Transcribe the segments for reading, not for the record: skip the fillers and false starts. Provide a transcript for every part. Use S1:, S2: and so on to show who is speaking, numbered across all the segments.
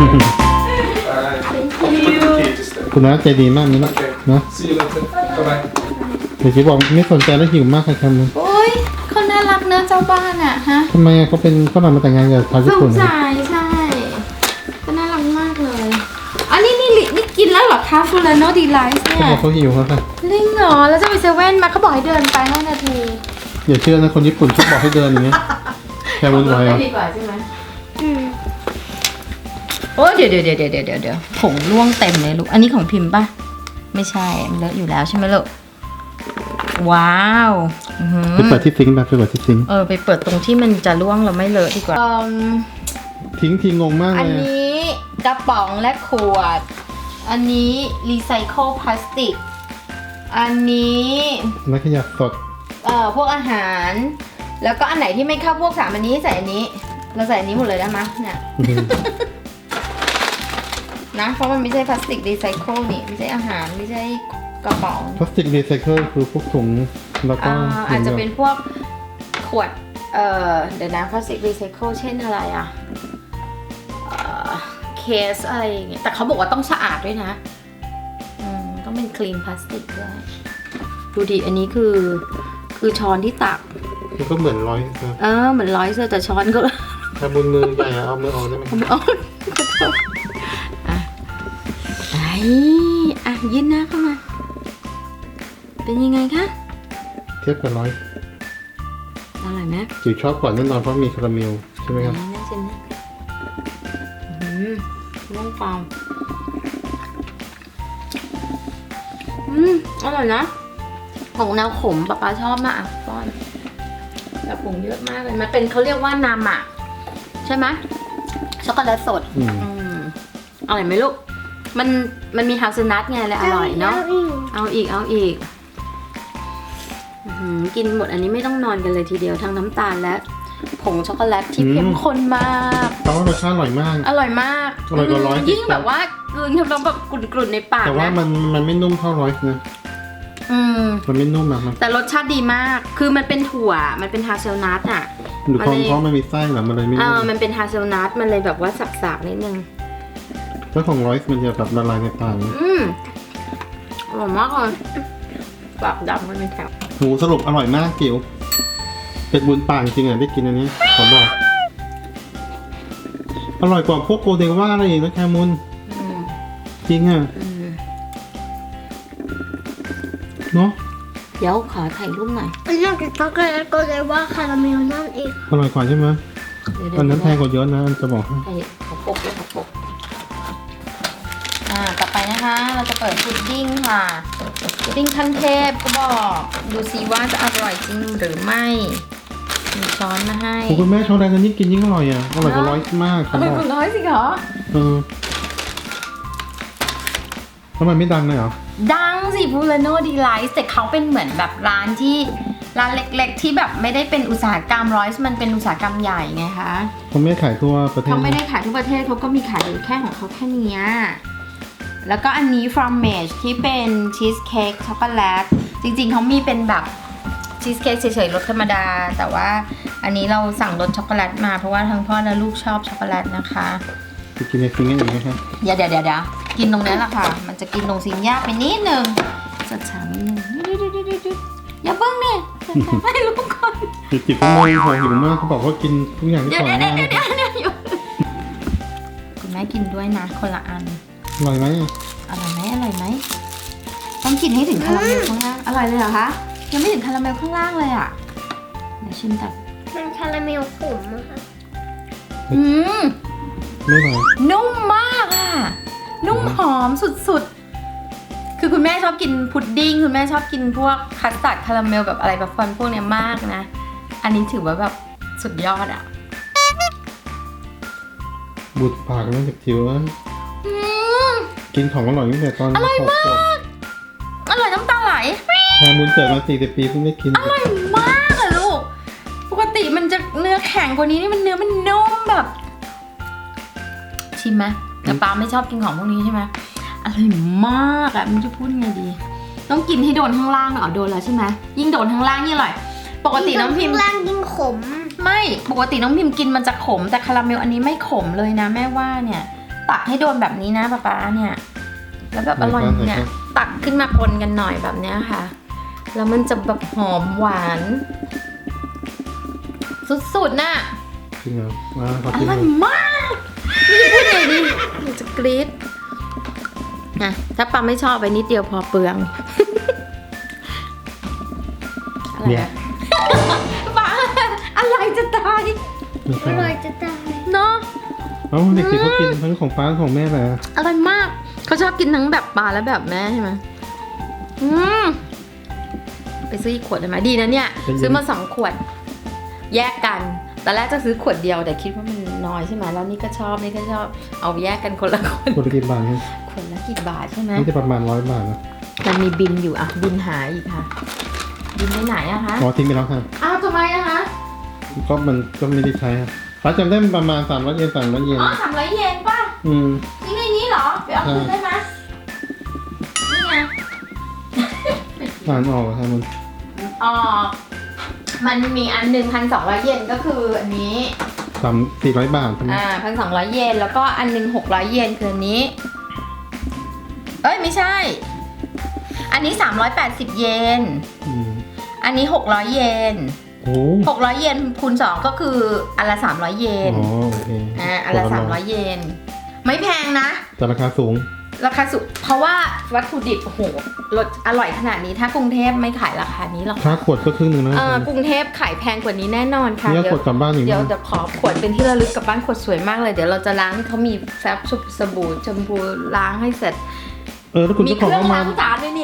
S1: คุณน้าใจดีมากนี่นะนะ
S2: See you later. Bye-bye.
S1: เดี๋ยวจะบอกไม่สนใจแล้วหิวมากค่ะแคม
S3: โอ้ยเขาน่ารักเนอะเจ้าบ้านอะฮะ
S1: ทำไมเขาเป็นฝรั่งมาแต่งงานกับชาว
S3: ส
S1: ญี่ปุ่
S3: ง
S1: น
S3: สัยใช่ก็น่ารักมากเลยอันนี้นี่กินแล้วเหรอคะฟูลาโนดีไลท์เนี่
S1: เขา
S3: ย
S1: บอกเขาหิวเขาค่ะ
S3: ลิงเหรอแล้วจะไปเซเว่นมาเขาบอกให้เดินไป5 นาที
S1: อย่าเชื่อนะคนญี่ปุ่นชอบบอกให้เดินอย่างเงี้ยแคมุนไหวเหรอ
S3: ดีกว่าใช่ไหมโอ้เดี๋ยวผงร่วงเต็มเลยลูกอันนี้ของพิมพ์ป่ะไม่ใช่มันเลอะอยู่แล้วใช่ไหมลูกว้าวอื้อหือ
S1: ไปเปิดที่ซิงค์แบบไปเปิดที่ซิงค์
S3: ไปเปิดตรงที่มันจะร่วงเราไม่เลอะดีกว่า
S1: ทิ้งทีงงมาก
S3: อัน
S1: เลย
S3: นี้กระป๋องและขวด อันนี้รีไซเคิลพลาสติก อันนี้
S1: นักขยะสด
S3: พวกอาหาร แล้วก็อันไหนที่ไม่เข้าพวก3อันนี้ใส่อันนี้ เราใส่อันนี้หมดเลยได้ไหมเนี่ย นะ เพราะมันไม่ใช่พลาสติกรีไซเคิลนี่ ไม่ใช่อาหาร ไม่ใช่กระป๋อง
S1: พลาสติกรีไซเคิลคือพวกถุงแล้วก็
S3: อาจจะเป็นพวกขวด เดี๋ยวนะพลาสติกรีไซเคิลเช่นอะไรอะเคสอะไรอย่างเงี้ย แต่เขาบอกว่าต้องสะอาดด้วยนะ ต้องเป็นคลีนพลาสติกด้วย ดูดิ อันนี้คือช้อนที่ตัก
S1: มันก็เหมือนร้อย
S3: เหมือนร้อยเสื้อแต่ช้อนก็
S1: แคมุนมือใหญ่เอามือออกได้ไหม
S3: เอายื่นหน้าเข้ามา เป็นยังไงคะ
S1: เทียบกับร้อย
S3: อร่อยไหม
S1: จิ๋วชอบก่อนแน่นอนเพราะมีคาราเมลใช่ไหมครับ
S3: น่าชิมนะน้องฟองอร่อยนะผงแนวขมป๊าชอบมากอ่ะป้อนแต่ผงเยอะมากเลยมันเป็นเขาเรียกว่านามะใช่ไหมช็อกโกแลตสดอร่อยไหมลูกมันมีฮาเซลนัทไงเลยอร่อยเนาะเอาอีกกินหมดอันนี้ไม่ต้องนอนกันเลยทีเดียวทั้งน้ำตาลและผงช็อกโกแลตที่เข้มข้นมาก
S1: แต่ว่ารสชาติอร่อยมาก
S3: อร่อยมาก
S1: อร่อยกว่าร้อย
S3: ยิ่งแบบว่ากลืนแล้วแบบกรุ่นๆในปาก
S1: แต่ว่า
S3: นะ
S1: มันไม่นุ่มเท่าร้อยนะมันไม่นุ่มอะมัน
S3: แต่รสชาติดีมากคือมันเป็นถั่วมันเป็นฮาเซลนัทอ่ะ
S1: ดูเพราะมันมีไส้เหรอมันเลยไม่นุ่ม
S3: มันเป็นฮาเซลนัทมันเลยแบบว่าสักๆนิดนึง
S1: แล้วของร้อยมันจะแบบละลายในปาก
S3: อร่อยมากเลยปากดำมันเป็นแถว
S1: หมูสรุปอร่อยมากจิ๋วเป็ดบุญปากจริงอ่ะได้กินอันนี้ขอบอกอร่อยกว่าพวกโกเดว่าอะไรอีกนะแคมุนจริงอ่ะเนาะ
S3: เดี๋ยวขอถ่ายรูปหน่อย
S4: นอกจากช็อกโกแลตก็เลยว่าคาราเมลนั่นเอง
S1: อร่อยกว่าใช่ไหม
S3: เดี๋ยว
S1: อันนั้นแพงกว่าเยอะนะจะบอกให้
S3: ขอปกด้วยขอปกต่อไปนะคะ เราจะเปิดพุดดิ้งค่ะพุดดิ้งขั้นเทพก็บอกดูซิว่าจะอร่อยจริงหรือไม่มีช้อนมาให้
S1: คุณแม่ชอบอะไรกันยิ่งกินยิ่งอร่อยอ่ะอร่อยกว่าร้อยมาก
S3: อร่อยกว่าร้อยสิเหรอ
S1: แล้วมันไม่ดังเลยเหรอ
S3: ดังสิพูลาโนดีไลท์แต่เขาเป็นเหมือนแบบร้านเล็กๆที่แบบไม่ได้เป็นอุตสาหกรรมร้อยมันเป็นอุตสาหกรรมใหญ่ไงคะ
S1: เขาไม่ขายทั่วประเทศ
S3: เขาไม่ได้ขายทุกประเทศเขาก็มีขายอยู่แค่ของเขาแค่เนี้ยแล้วก็อันนี้ Fromage ที่เป็นชีสเค้กช็อกโกแลตจริงๆเขามีเป็นแบบชีสเค้กเฉยๆรสธรรมดาแต่ว่าอันนี้เราสั่งรสช็อกโกแลตมาเพราะว่าทั้งพ่อและลูกชอบช็อกโกแลตนะคะ
S1: จะกินในฟิงเกอร์อีกไหมครับ
S3: เดี๋ยวกินตรงนี้แหละค่ะ มันจะกินตรงซิงยากไปนิดนึงสัดฉานิดนึงอย่าเพิ่งเนี่ยให้ลูกก่อน
S1: จิบๆก็มองพอหิวมากเขาบอกว่ากินทุกอย่างที่
S3: เดี๋ยว
S1: ก่อนหน้า
S3: อยู่คุณแม่กินด้วยนะคนละอัน
S1: อร่อยไหม
S3: อร่อยไหมต้องกินให้ถึงคาราเมลข้างล่างอร่อยเลยเหรอคะยังไม่ถึงคาราเมลข้างล่างเลยอ่ะเดี๋ยวชิมแต่
S4: มันคาราเมลขมอะค่ะ
S1: ไม่อร่อย
S3: นุ่มมากอ่ะนุ่มหอมสุดๆคือคุณแม่ชอบกินพุดดิ้งคุณแม่ชอบกินพวกคัสตาร์ดคาราเมลแบบอะไรแบบฟันพวกเนี้ยมากนะอันนี้ถือว่าแบบสุดยอดอ่ะ
S1: บูดปากนั่นจิ๋วกินของอร่อยตั้งแต่ตอนอร่อยมาก
S3: อร่อยน้ำตาไหล
S1: แคมุนเกิดมา40 ปีเพิ่งได้กิน
S3: อร่อยมากอะลูกปกติมันจะเนื้อแข็งกว่านี้นี่มันเนื้อมันนุ่มแบบชิมไหมแต่ปาไม่ชอบกินของพวกนี้ใช่ไหมอร่อยมากอะมันจะพูดไงดีต้องกินให้โดนข้างล่างเหรอโดนแล้วใช่ไหมยิ่งโดนข้างล่างยิ่งอร่อยปกติน้องพิมพ์
S4: ข้างล่างยิ่งขม
S3: ไม่ปกติน้องพิมพ์กินมันจะขมแต่คาราเมลอันนี้ไม่ขมเลยนะแม่ว่าเนี่ยตักให้โดนแบบนี้นะป๊าเนี่ย แล้วแบบอร่อยเนี่ยตักขึ้นมาคนกันหน่อยแบบเนี้ยค่ะ แล้วมันจะแบบหอมหวาน สุดๆน่ะ
S1: จริงเหรอมาขอ
S3: อ
S1: ชิมห
S3: ร่
S1: น่
S3: อ
S1: อย ย
S3: มากนี่พูดเลยดิหนูจะกรี๊ดนะถ้าปาไม่ชอบไปนิดเดียวพอเปลืองอะไร
S1: เนี่ย
S3: นะปาอะไรจะตาย
S1: ไม่
S4: อ
S1: ใช่
S4: ร่อยจะตาย
S3: เนาะ
S1: เอ้าเด็กๆเขากินทั้งของป้าของแม่เลย
S3: อร่อยมากเขาชอบกินทั้งแบบปลาและแบบแม่ใช่ไหมอืมไปซื้ออีกขวดได้ไหมดีนะเนี่ย ซื้อมา2 ขวด แยกกันตอนแรกจะซื้อขวดเดียวแต่คิดว่ามันน้อยใช่ไหมแล้วนี่ก็ชอบนี่ก็ชอบเอาแยกกันคนละขวด
S1: คนละกี่บาทเนี่ย
S3: ขวดละกี่บาทใช่ไหม
S1: นี่จะประมาณ100 บาทนะ
S3: มันมีบินอยู่อะบินหาอีกค่ะ บินไปไหนอะคะ
S1: อ๋อทิ้งไปแล้วค่ะ
S3: อ้าวทำไมอะคะ
S1: ก็มันก็ไม่ได้ใช้ครับป้าจำได้มันประมาณ300 เยน300 เยน
S3: อ๋อ300 เยนป่ะ
S1: อืม
S3: นี่ในนี้เหรอไปเอาคืนได้ไหมนี่ไง
S1: อ่านออกเหรอครับมัน
S3: อ๋อมันมีอันหนึ่ง1,200 เยนก็คืออันนี้
S1: 400 บาทใช่ไหม
S3: 1,200 เยนแล้วก็อันหนึ่ง600 เยนคืออันนี้ เอ้ยไม่ใช่ อันนี้380 เยน
S1: อืม
S3: อันนี้600 เยน
S1: โอ้
S3: 600 เยนคูณ2ก็คืออันละ300 เยน
S1: อ๋อโอเค
S3: อันละ300 เยน ไม่แพงนะ
S1: แต่ราคาสูง
S3: ราคาสูงเพราะว่าวัตถุดิบโอ้โหรสอร่อยขนาดนี้ถ้ากรุงเทพไม่ขายราคานี้หรอก
S1: ค่าขวดก็ครึ่งหนึ่งนะ
S3: กรุงเทพขายแพงกว่านี้แน่นอนค่ะ
S1: เนี่ยขวดกลับบ้านอย่าง
S3: เดี๋ยว
S1: นี้
S3: จะขอขวดเป็นที่ระลึกกลับบ้านขวดสวยมากเลยเดี๋ยวเราจะล้างเขามีแฟบสบู่ชมพูล้างให้เสร็จ
S1: แล้วคุณ
S3: มี
S1: เจ้า
S3: เค
S1: ของ
S3: รื่อง
S1: ก็มา
S3: ล้างจานด้วยนี่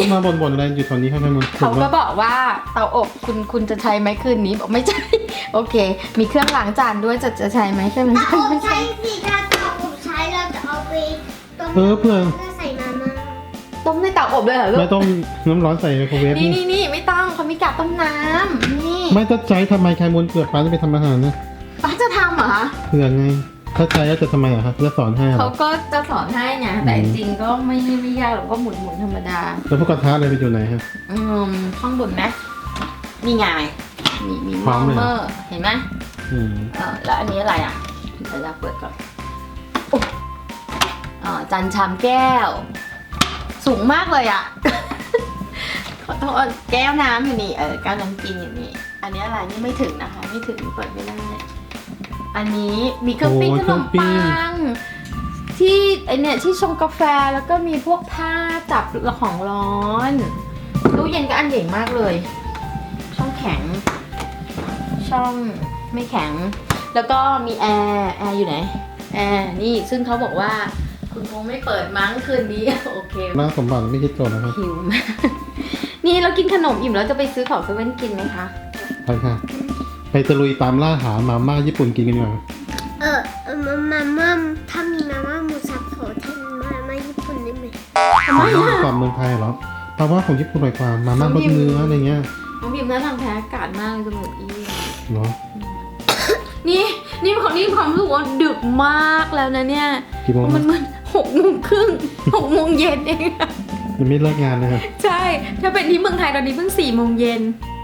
S1: มาบ่นอะไรอยู่ตอนนี้ให้มัน
S3: เขาก็บอกว่าเตาอบคุณจะใช้ไหมคืนนี้บอกไม่ใช่ โอเค มีเครื่องล้างจานด้วยจะใช้ไหมเครื่องล้างจาน
S4: เอา
S3: ไม่
S4: ใช้
S3: ใช่
S4: สิถ้าเราใช้เราจะเอาไปต้ม
S1: เพื่อ
S4: เพื่อใส่มาม่า
S3: ต้มในเตาอบเลยเหรอลู
S1: ไม่
S3: ก
S1: ต้องน้ำร้อนใส่ไมโครเวฟ
S3: นี่ไม่ต้องเขามีกาต้มน้ำนี่
S1: ไม่ถ้าใช้ทำไมใครมูลเกลือป้าจะไปทำอาหารนะ
S3: ป้าจะทำเหรอ
S1: เผื่อไง ถ้าใช้แล้วจะทำไมอะครับจะสอนให้เหร
S3: เขา
S1: อ
S3: ก็จะสอนให้ไงแต่จริงๆก็ไม่ยากหรอกก็หมุนธรรมดา
S1: แล้วพวกกระทะอะไรไปอยู่ไหนฮะ
S3: ข้างบนนะนี่ไงมี
S1: พร้อมเลย
S3: เมอร์เห็นไหม
S1: อืม
S3: แล้วอันนี้อะไรอ่ะเดี๋ยวเราเปิดก่อนอุ๊ยจานชามแก้ว สูงมากเลยอ่ะ ขอโทษแก้วน้ำอยู่นี่แก้วน้ำกินอยู่นี่อันนี้อะไรนี่ไม่ถึงนะคะไม่ถึงเปิดไม่ได้อันนี้มีเครื่องปิ้งขนมปังที่ไอเนี่ยที่ชงกาแฟแล้วก็มีพวกผ้าจับของร้อนตู้เย็นก็อันใหญ่มากเลย ช่องแข็ง ช่องไม่แข็ง แล้วก็มีแอร์อยู่ไหนแอร์นี่ซึ่งเขาบอกว่าคุณคงไม่เปิดมั้งคืนนี้ โอเค
S1: น่าสมบัติไม่คิดโจทย์นะครับ
S3: หิวมากนี่เรากินขนมอิ่มแล้วจะไปซื้อของเซเว่นกินไหมคะ
S1: ไปค่ะ ไปตะลุยตามล่าหามาม่าญี่ปุ่นกินกันดีกว่า
S4: มาม่าถ้ามีมาม่าหมูสับขอแทนมาม่าญี่ปุ่นได้ไหม
S3: ทำไม
S1: มาม่า
S3: อะ
S1: กรอบเมืองไทยเหรอเพราะว่าของญี่ปุ่นอร่อยกว่ามาม่ารสเนื้ออะไรเงี้ย
S3: น้องพิมพ์น่าทางแพ้อากาศมากจมูกอี้
S1: เนาะ
S3: นี่ความรู้สึกว่าดึกมากแล้วนะเนี่ย
S1: กี่โมง
S3: มัน6:30 6:00 เย็นเองอะ
S1: ยังไม่เลิกงานเลยครับ
S3: ใช่ ถ้าเป็นที่เมืองไทยตอนนี้เพิ่ง4:00 เย็น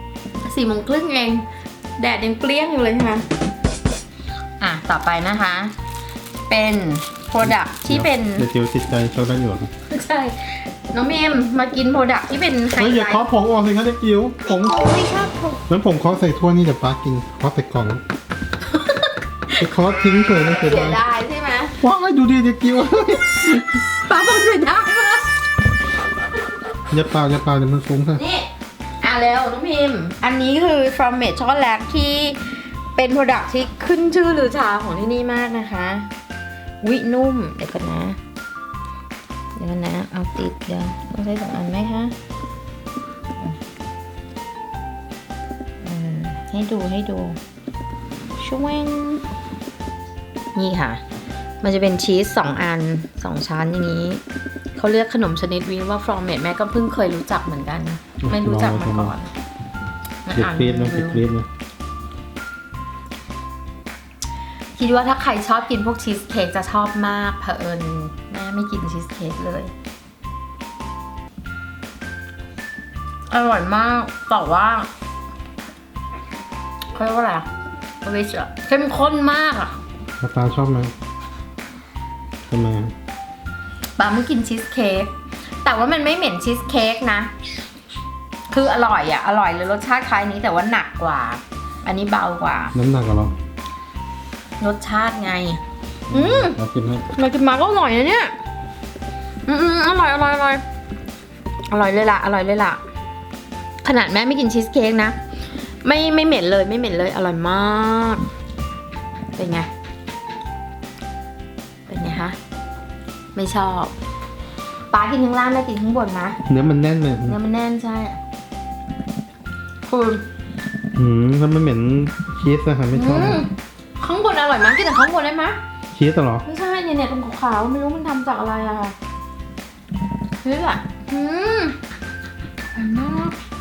S3: 4:30เอง แดดยังเปรี้ยงอยู่เลยค่ะ ต่อไปนะคะ เป็น product ที่เป็น
S1: เดี๋ยวติดใจชอบได้อยู่หรอ
S3: ใช่ น้องเมมมากิน product ที่เป็นไฮ
S1: เฮ้ยอย่า
S3: ไล
S1: เคาะ
S3: ท์
S1: ผงออกเลยครับเด็กจิ๋วผง
S4: ไม่ชอบผม
S1: งั้นผมเคาะใส่ถ้วยนี่เดี๋ยวป้ากินเคาะใส่กล่องไปเคาะทิ้งเลยนะเสีย
S3: เสีย
S1: ดาย
S3: ดายใช่ไหม
S1: ว้าวดูดิเด็กจิ๋ว
S3: ป้าบอกเสียดายมาก
S1: อย่าเปล่าเดี๋ยวมันฟุ้งค่ะ
S3: นี่เร็วน้องพิมพ์ อันนี้คือ from Made ช็อกโกแลตที่เป็น product ที่ขึ้นชื่อลือชาของที่นี่มากนะคะวินุ่มเดี๋ยวกันนะ เอาติดเดี๋ยวต้องใช้2 อันไหมคะให้ดูช่วงนี่ค่ะ มันจะเป็นชีส2 อัน 2 ชั้นอย่างนี้ เขาเรียกขนมชนิดนี้ว่า from made แม่ก็เพิ่งเคยรู้จักเหมือนกัน ไม่รู้จักมาก่อน
S1: เด็กเกรียดนะเด็กเกรียดนะ
S3: คิดว่าถ้าใครชอบกินพวกชีสเค้กจะชอบมากเผอิญแม่ไม่กินชีสเค้กเลย อร่อยมากแต่ว่าเขาเรียกว่าอะไรอะเข้มข้นมากอะ
S1: ป้าชอบไหมทำไม
S3: ปาไม่กินชีสเค้กแต่ว่ามันไม่เหม็นชีสเค้กนะ คืออร่อยอะอร่อยเลยรสชาติคล้ายนี้แต่ว่าหนักกว่า อันนี้เบากว่า
S1: น้ำหนักเหรอ
S3: รสชาติไง
S1: เรากินให้
S3: มากินมาก็อร่อยนะเนี่ยอร่อยอร่อยอร่อยอร่อยเลยล่ะอร่อยเลยล่ะขนาดแม่ไม่กินชีสเค้กนะไม่เหม็นเลยไม่เหม็นเลยอร่อยมากเป็นไงเป็นไงคะไม่ชอบป้ากินข้างล่างแม่กินข้างบนนะ
S1: เนื้อมันแน่นเลย
S3: เนื้อมันแน่นใช่คือ
S1: แล้วมันเหม็นชีสนะคะไม่ชอบ
S3: ข้างบนอร่อยมากกินแต่ข้างบนได้ไหม
S1: ชีสเหรอ
S3: ไม่ใช่เนี่ยตรงขาวๆไม่รู้มันทำจากอะไรอะค่ะนี่แหละอร่อยมาก